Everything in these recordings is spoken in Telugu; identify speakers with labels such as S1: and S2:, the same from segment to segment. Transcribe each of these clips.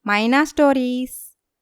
S1: మైనా స్టోరీస్.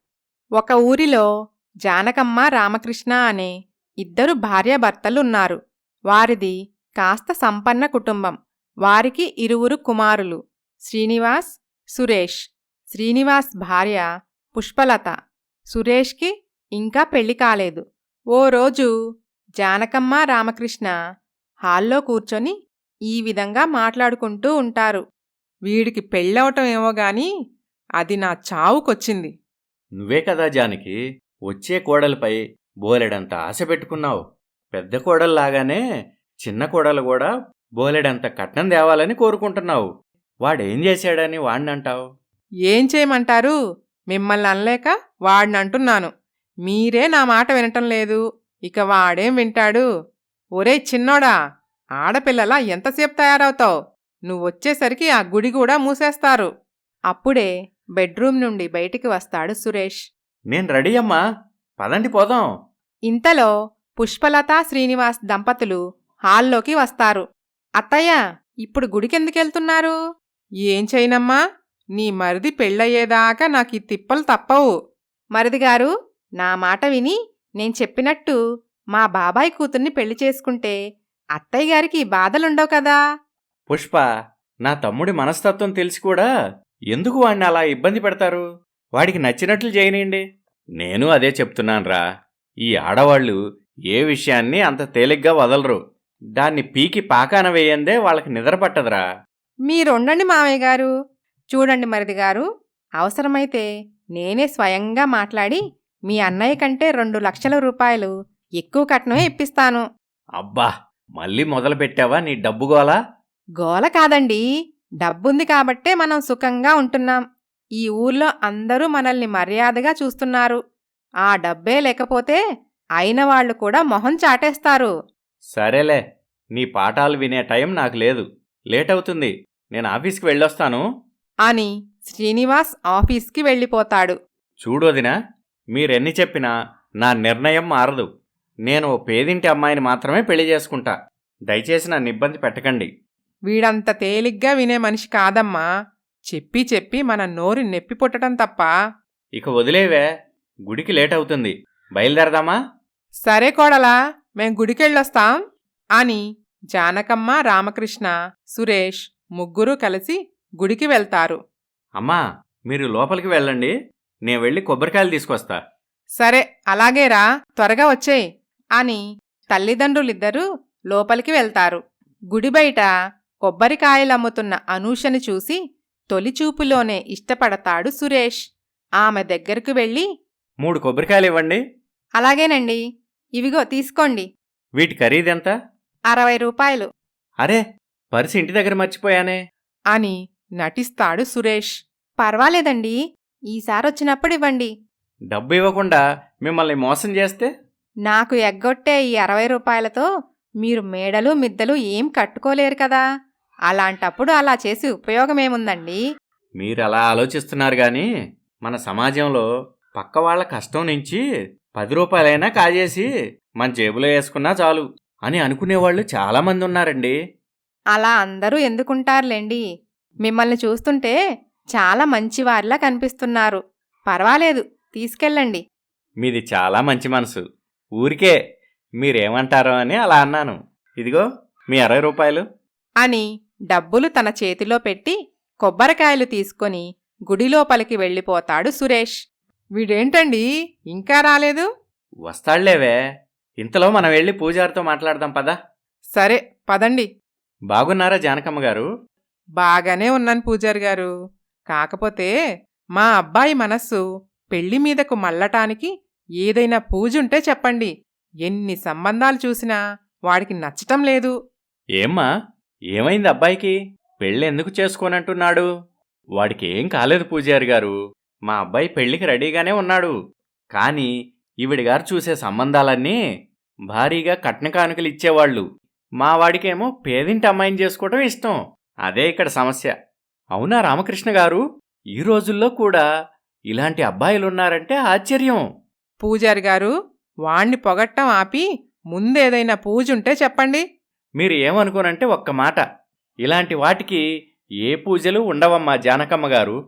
S1: ఒక ఊరిలో జానకమ్మ రామకృష్ణ అనే ఇద్దరు భార్యాభర్తలున్నారు. వారిది కాస్త సంపన్న కుటుంబం. వారికి ఇరువురు కుమారులు, శ్రీనివాస్, సురేష్. శ్రీనివాస్ భార్య పుష్పలత. సురేష్కి ఇంకా పెళ్లి కాలేదు. ఓ రోజు జానకమ్మ రామకృష్ణ హాల్లో కూర్చొని ఈ విధంగా మాట్లాడుకుంటూ ఉంటారు. వీడికి పెళ్ళవటం ఏమో గాని అది నా చావుకొచ్చింది.
S2: నువ్వే కదా జానకి, వచ్చే కోడలిపై బోలెడంత ఆశ పెట్టుకున్నావు. పెద్ద కోడల్లాగానే చిన్న కోడలు కూడా బోలెడంత కట్నం తేవాలని కోరుకుంటున్నావు. వాడేం చేశాడని వాణ్ణంటావు?
S1: ఏం చేయమంటారు? మిమ్మల్ని అనలేక వాడినంటున్నాను. మీరే నా మాట వినటం లేదు. ఇక వాడేం వింటాడు? ఒరే చిన్నోడా, ఆడపిల్లలా ఎంతసేపు తయారవుతావు? నువ్వొచ్చేసరికి ఆ గుడి కూడా మూసేస్తారు. అప్పుడే బెడ్రూమ్ నుండి బయటికి వస్తాడు సురేష్.
S2: నేను రెడీ అమ్మా, పదండి పోదాం.
S1: ఇంతలో పుష్పలత శ్రీనివాస్ దంపతులు హాల్లోకి వస్తారు. అత్తయ్య, ఇప్పుడు గుడికెందుకెళ్తున్నారు? ఏం చేయనమ్మా, నీ మరిది పెళ్ళయ్యేదాకా నాకీ తిప్పలు తప్పవు. మరిదిగారు, నా మాట విని నేను చెప్పినట్టు మా బాబాయ్ కూతుర్ని పెళ్లి చేసుకుంటే అత్తయ్య గారికి బాధలుండవు కదా.
S2: పుష్ప, నా తమ్ముడి మనస్తత్వం తెలిసి కూడా ఎందుకు వాణ్ణి అలా ఇబ్బంది పెడతారు? వాడికి నచ్చినట్లు చేయనండి. నేను అదే చెప్తున్నాన్రా. ఈ ఆడవాళ్లు ఏ విషయాన్ని అంత తేలిగ్గా వదలరు. దాన్ని పీకి పాకాన వేయందే వాళ్ళకి నిద్ర పట్టదురా.
S1: మీరుండండి మామయ్య గారు. చూడండి మరిదిగారు, అవసరమైతే నేనే స్వయంగా మాట్లాడి మీ అన్నయ్య కంటే 2,00,000 రూపాయలు ఎక్కువ కట్నమే ఇప్పిస్తాను.
S2: అబ్బా, మళ్ళీ మొదలుపెట్టావా నీ డబ్బుగోలా?
S1: గోల కాదండి, డబ్బుంది కాబట్టే మనం సుఖంగా ఉంటున్నాం. ఈ ఊర్లో అందరూ మనల్ని మర్యాదగా చూస్తున్నారు. ఆ డబ్బే లేకపోతే అయినవాళ్లు కూడా మొహం చాటేస్తారు.
S2: సరేలే, నీ పాఠాలు వినే టైం నాకు లేదు. లేటవుతుంది, నేను ఆఫీస్కి వెళ్ళొస్తాను
S1: అని శ్రీనివాస్ ఆఫీస్కి వెళ్ళిపోతాడు.
S2: చూడొదినా, మీరెన్ని చెప్పినా నా నిర్ణయం మారదు. నేను ఓ పేదింటి అమ్మాయిని మాత్రమే పెళ్లి చేసుకుంటా. దయచేసి నన్ను ఇబ్బంది పెట్టకండి.
S1: వీడంత తేలిగ్గా వినే మనిషి కాదమ్మా. చెప్పి చెప్పి మన నోరు నెప్పి పుట్టడం తప్ప.
S2: ఇక వదిలేవే, గుడికి లేటవుతుంది. బయలుదేరదామా?
S1: సరే కోడలా, మేం గుడికెళ్ళొస్తాం అని జానకమ్మ, రామకృష్ణ, సురేష్ ముగ్గురూ కలిసి గుడికి వెళ్తారు.
S2: అమ్మా, మీరు లోపలికి వెళ్ళండి, నేను వెళ్ళి కొబ్బరికాయలు తీసుకొస్తా.
S1: సరే అలాగేరా, త్వరగా వచ్చేయ్ అని తల్లిదండ్రులిద్దరూ లోపలికి వెళ్తారు. గుడి బయట కొబ్బరికాయలమ్ముతున్న అనూషని చూసి తొలిచూపులోనే ఇష్టపడతాడు సురేష్. ఆమె దగ్గరకు వెళ్ళి,
S2: 3 కొబ్బరికాయలు ఇవ్వండి.
S1: అలాగేనండి, ఇవిగో తీసుకోండి.
S2: వీటి ఖరీదెంత?
S1: 60 రూపాయలు
S2: అరే, పర్సు ఇంటి దగ్గర మర్చిపోయానే
S1: అని నటిస్తాడు సురేష్. పర్వాలేదండి, ఈసారొచ్చినప్పుడు ఇవ్వండి.
S2: డబ్బు ఇవ్వకుండా మిమ్మల్ని మోసం చేస్తే?
S1: నాకు ఎగ్గొట్టే ఈ 60 రూపాయలతో మీరు మేడలు మిద్దెలు ఏం కట్టుకోలేరు కదా. అలాంటప్పుడు అలా చేసి ఉపయోగమేముందండి?
S2: మీరలా ఆలోచిస్తున్నారు గాని మన సమాజంలో పక్కవాళ్ల కష్టం నుంచి 10 రూపాయలైనా కాజేసి మన జేబులో వేసుకున్నా చాలు అని అనుకునేవాళ్లు చాలామంది ఉన్నారండి.
S1: అలా అందరూ ఎందుకుంటారులేండి. మిమ్మల్ని చూస్తుంటే చాలా మంచివారిలా కనిపిస్తున్నారు. పర్వాలేదు, తీసుకెళ్ళండి.
S2: మీది చాలా మంచి మనసు. ఊరికే మీరేమంటారో అని అలా అన్నాను. ఇదిగో మీ 60 రూపాయలు
S1: అని డబ్బులు తన చేతిలో పెట్టి కొబ్బరికాయలు తీసుకొని గుడిలోపలికి వెళ్ళిపోతాడు సురేష్. వీడేంటండి ఇంకా రాలేదు?
S2: వస్తాళ్లేవే, ఇంతలో మనం వెళ్ళి పూజారితో మాట్లాడదాం పదా.
S1: సరే పదండి.
S2: బాగున్నారా జానకమ్మ గారు?
S1: బాగానే ఉన్నాను పూజారి గారు. కాకపోతే మా అబ్బాయి మనస్సు పెళ్లి మీదకు మళ్ళటానికి ఏదైనా పూజుంటే చెప్పండి. ఎన్ని సంబంధాలు చూసినా వాడికి నచ్చటం లేదు.
S2: ఏమ్మా, ఏమైంది అబ్బాయికి? పెళ్ళెందుకు చేసుకోనంటున్నాడు? వాడికి ఏం కాలేదు పూజారి గారు. మా అబ్బాయి పెళ్లికి రెడీగానే ఉన్నాడు. కానీ ఈవిడిగారు చూసే సంబంధాలన్నీ భారీగా కట్న కానుకలు ఇచ్చేవాళ్లు. మా వాడికేమో పేదింటి అమ్మాయిని చేసుకోవటం ఇష్టం. అదే ఇక్కడ సమస్య. అవునా రామకృష్ణ గారు? ఈ రోజుల్లో కూడా ఇలాంటి అబ్బాయిలున్నారంటే ఆశ్చర్యం.
S1: పూజారి గారు, వాణ్ణి పొగట్టం ఆపి ముందేదైనా పూజుంటే చెప్పండి.
S2: మీరు ఏమనుకోనంటే ఒక్క మాట, ఇలాంటి వాటికి ఏ పూజలు ఉండవమ్మా జానకమ్మ గారు.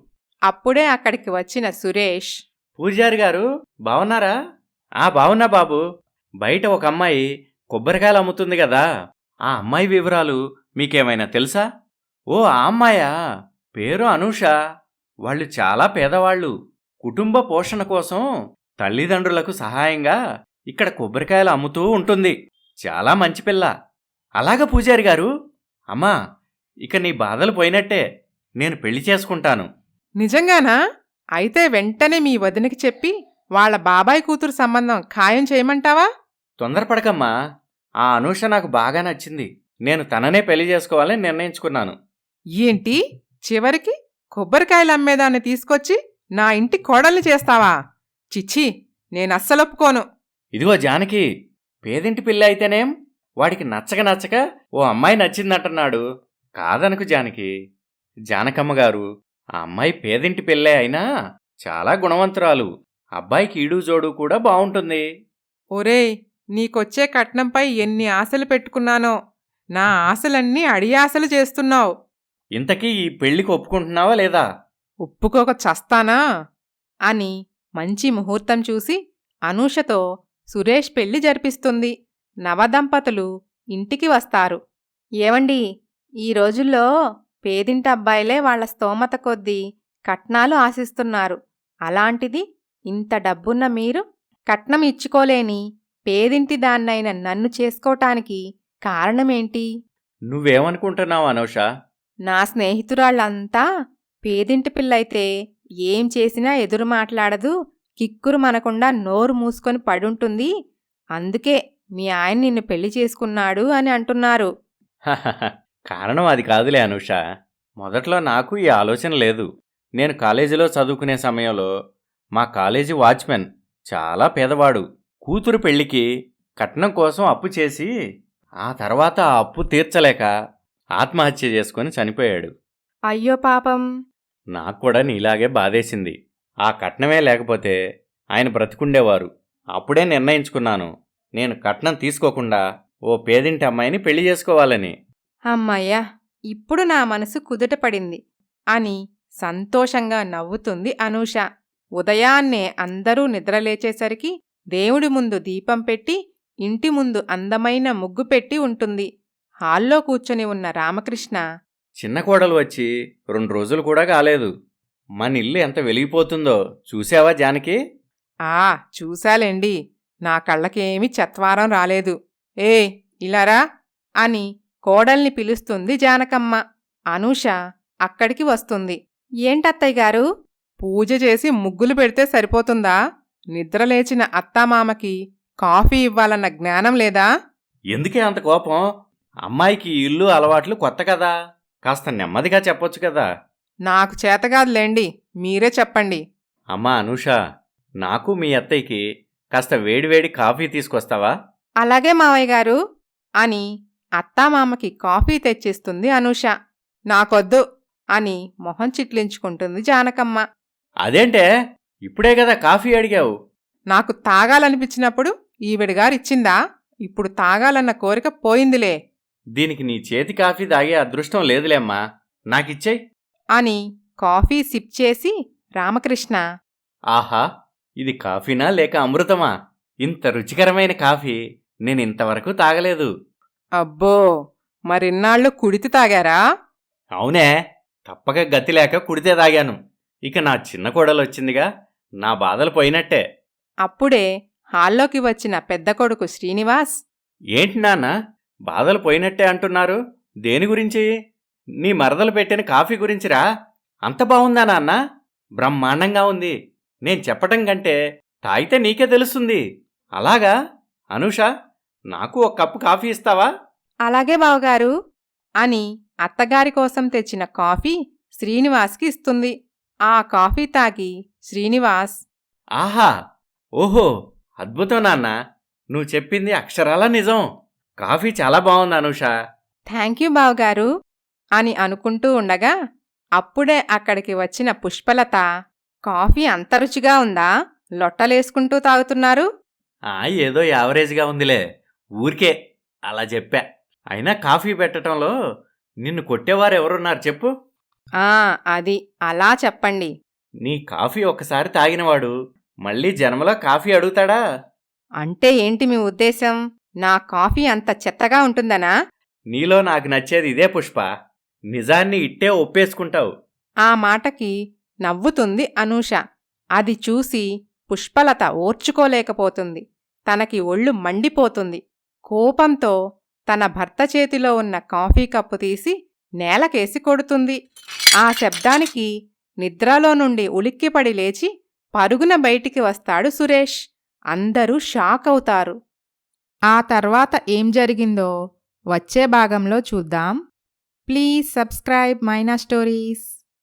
S1: అప్పుడే అక్కడికి వచ్చిన సురేష్,
S2: పూజారి గారు బావున్నారా? బావున్నా బాబు. బయట ఒక అమ్మాయి కొబ్బరికాయలు అమ్ముతుంది కదా, ఆ అమ్మాయి వివరాలు మీకేమైనా తెలుసా? ఓ ఆ అమ్మాయా? పేరు అనూష. వాళ్ళు చాలా పేదవాళ్ళు. కుటుంబ పోషణ కోసం తల్లిదండ్రులకు సహాయంగా ఇక్కడ కొబ్బరికాయలు అమ్ముతూ ఉంటుంది. చాలా మంచి పిల్ల. అలాగా పూజారి గారు? అమ్మా, ఇక నీ బాధలు పోయినట్టే. నేను పెళ్లి చేసుకుంటాను.
S1: నిజంగానా? అయితే వెంటనే మీ వదినకి చెప్పి వాళ్ళ బాబాయ్ కూతురు సంబంధం ఖాయం చేయమంటావా?
S2: తొందరపడకమ్మా. ఆ అనూష నాకు బాగా నచ్చింది. నేను తననే పెళ్లి చేసుకోవాలని నిర్ణయించుకున్నాను.
S1: ఏంటి, చివరికి కొబ్బరికాయలు అమ్మేదాన్ని తీసుకొచ్చి నా ఇంటి కోడల్ని చేస్తావా? చిచ్చి, నేనస్సలొప్పుకోను.
S2: ఇదిగో జానకి, పేదింటి పిల్ల అయితేనేం, వాడికి నచ్చక ఓ అమ్మాయి నచ్చిందంటున్నాడు. కాదనకు జానకి. జానకమ్మగారు, ఆ అమ్మాయి పేదింటి పిల్లే అయినా చాలా గుణవంతురాలు. అబ్బాయికి ఈడు జోడు కూడా బావుంటుంది.
S1: ఒరేయ్, నీకొచ్చే కట్నంపై ఎన్ని ఆశలు పెట్టుకున్నానో. నా ఆశలన్నీ అడియాశలు చేస్తున్నావు.
S2: ఇంతకీ ఈ పెళ్లికి ఒప్పుకుంటున్నావా లేదా?
S1: ఒప్పుకోక చస్తానా? అని మంచి ముహూర్తం చూసి అనూషతో సురేష్ పెళ్లి జరిపిస్తుంది. నవదంపతులు ఇంటికి వస్తారు. ఏవండి, ఈ రోజుల్లో పేదింటి అబ్బాయిలే వాళ్ల స్తోమత కొద్దీ కట్నాలు ఆశిస్తున్నారు. అలాంటిది ఇంత డబ్బున్న మీరు కట్నం ఇచ్చుకోలేని పేదింటి దాన్నైన నన్ను చేసుకోటానికి కారణమేంటి?
S2: నువ్వేమనుకుంటున్నావు అనూష?
S1: నా స్నేహితురాళ్లంతా పేదింటి పిల్లయితే ఏం చేసినా ఎదురు మాట్లాడదు, కిక్కురు మనకుండా నోరు మూసుకొని పడుంటుంది. అందుకే మీ ఆయన నిన్ను పెళ్లి చేసుకున్నాడు అని అంటున్నారు.
S2: కారణం అది కాదులే అనూష. మొదట్లో నాకు ఈ ఆలోచన లేదు. నేను కాలేజీలో చదువుకునే సమయంలో మా కాలేజీ వాచ్మెన్ చాలా పేదవాడు. కూతురు పెళ్లికి కట్నం కోసం అప్పు చేసి ఆ తర్వాత ఆ అప్పు తీర్చలేక ఆత్మహత్య చేసుకుని చనిపోయాడు.
S1: అయ్యో పాపం.
S2: నాకు కూడా నీలాగే బాధేసింది. ఆ కట్నమే లేకపోతే ఆయన బ్రతికుండేవారు. అప్పుడే నిర్ణయించుకున్నాను, నేను కట్నం తీసుకోకుండా ఓ పేదింటి అమ్మాయిని పెళ్లి చేసుకోవాలని.
S1: అమ్మయ్యా, ఇప్పుడు నా మనసు కుదుటపడింది అని సంతోషంగా నవ్వుతుంది అనూష. ఉదయాన్నే అందరూ నిద్రలేచేసరికి దేవుడి ముందు దీపం పెట్టి ఇంటి ముందు అందమైన ముగ్గు పెట్టి ఉంటుంది. హాల్లో కూర్చొని ఉన్న రామకృష్ణ,
S2: చిన్న కోడలు వచ్చి 2 రోజులు కూడా కాలేదు. మన ఇల్లు ఎంత వెలిగిపోతుందో చూసావా జానకి?
S1: చూశాలేండి. నా కళ్ళకేమీ చత్వారం రాలేదు. ఇలారా అని కోడల్ని పిలుస్తుంది జానకమ్మ. అనూష అక్కడికి వస్తుంది. ఏంటత్తయ్యగారు? పూజ చేసి ముగ్గులు పెడితే సరిపోతుందా? నిద్రలేచిన అత్తామామకి కాఫీ ఇవ్వాలన్న జ్ఞానం లేదా?
S2: ఎందుకే అంత కోపం? అమ్మాయికి ఇల్లు అలవాట్లు కొత్త కదా, కాస్త నెమ్మదిగా చెప్పొచ్చు కదా.
S1: నాకు చేతగాదులేండి, మీరే చెప్పండి.
S2: అమ్మా అనూష, నాకు మీ అత్తయ్యకి కాస్త వేడివేడి కాఫీ తీసుకొస్తావా?
S1: అలాగే మావయ్య గారు అని అత్తామామకి కాఫీ తెచ్చిస్తుంది అనూష. నాకొద్దు అని మొహం చిట్లించుకుంటుంది జానకమ్మ.
S2: అదేంటే, ఇప్పుడే కదా కాఫీ అడిగావు?
S1: నాకు తాగాలనిపించినప్పుడు ఈవిడగారిచ్చిందా? ఇప్పుడు తాగాలన్న కోరిక పోయిందిలే.
S2: దీనికి నీ చేతి కాఫీ తాగే అదృష్టం లేదులేమ్మా, నాకిచ్చేయ్
S1: అని కాఫీ సిప్ చేసి రామకృష్ణ,
S2: ఆహా, ఇది కాఫీనా లేక అమృతమా? ఇంత రుచికరమైన కాఫీ నేనింతవరకు తాగలేదు.
S1: అబ్బో, మరిన్నాళ్ళు కుడితి తాగారా?
S2: అవునే, తప్పక గతి లేక కుడితే తాగాను. ఇక నా చిన్న కోడలొచ్చిందిగా, నా బాధలు పోయినట్టే.
S1: అప్పుడే హాల్లోకి వచ్చిన పెద్ద కొడుకు శ్రీనివాస్,
S2: ఏంటి నాన్న, బాధలు పోయినట్టే అంటున్నారు? దేని గురించి? నీ మరదలు పెట్టిన కాఫీ గురించిరా? అంత బావుందా నాన్న? బ్రహ్మాండంగా ఉంది. నేను చెప్పటం కంటే తాగితే నీకే తెలుస్తుంది. అలాగా? అనూష, నాకు ఒక కప్పు కాఫీ ఇస్తావా?
S1: అలాగే బావగారు అని అత్తగారి కోసం తెచ్చిన కాఫీ శ్రీనివాస్కి ఇస్తుంది. ఆ కాఫీ తాగి శ్రీనివాస్,
S2: ఆహా, ఓహో, అద్భుతం నాన్న, నువ్వు చెప్పింది అక్షరాలా నిజం. కాఫీ చాలా బావుంది అనూష.
S1: థ్యాంక్యూ బావగారు అని అనుకుంటూ ఉండగా అప్పుడే అక్కడికి వచ్చిన పుష్పలత, కాఫీ అంత రుచిగా ఉందా? లొట్టలేసుకుంటూ తాగుతున్నారు?
S2: ఏదో యావరేజ్గా ఉందిలే, ఊరికే అలా చెప్పా. అయినా కాఫీ పెట్టడంలో నిన్ను కొట్టేవారెవరున్నారు చెప్పు?
S1: అది అలా చెప్పండి.
S2: నీ కాఫీ ఒక్కసారి తాగినవాడు మళ్ళీ జన్మలో కాఫీ అడుగుతాడా?
S1: అంటే ఏంటి మీ ఉద్దేశం? నా కాఫీ అంత చెత్తగా ఉంటుందనా?
S2: నీలో నాకు నచ్చేది ఇదే పుష్ప. నిజాన్ని ఇట్టే ఒప్పేసుకుంటావు.
S1: ఆ మాటకి నవ్వుతుంది అనూష. అది చూసి పుష్పలత ఓర్చుకోలేకపోతుంది. తనకి ఒళ్ళు మండిపోతుంది. కోపంతో తన భర్త చేతిలో ఉన్న కాఫీ కప్పు తీసి నేలకేసి కొడుతుంది. ఆ శబ్దానికి నిద్రలో నుండి ఉలిక్కిపడి లేచి పరుగున బయటికి వస్తాడు సురేష్. అందరూ షాక్ అవుతారు. ఆ తర్వాత ఏం జరిగిందో వచ్చే భాగంలో చూద్దాం. Please subscribe Maina stories.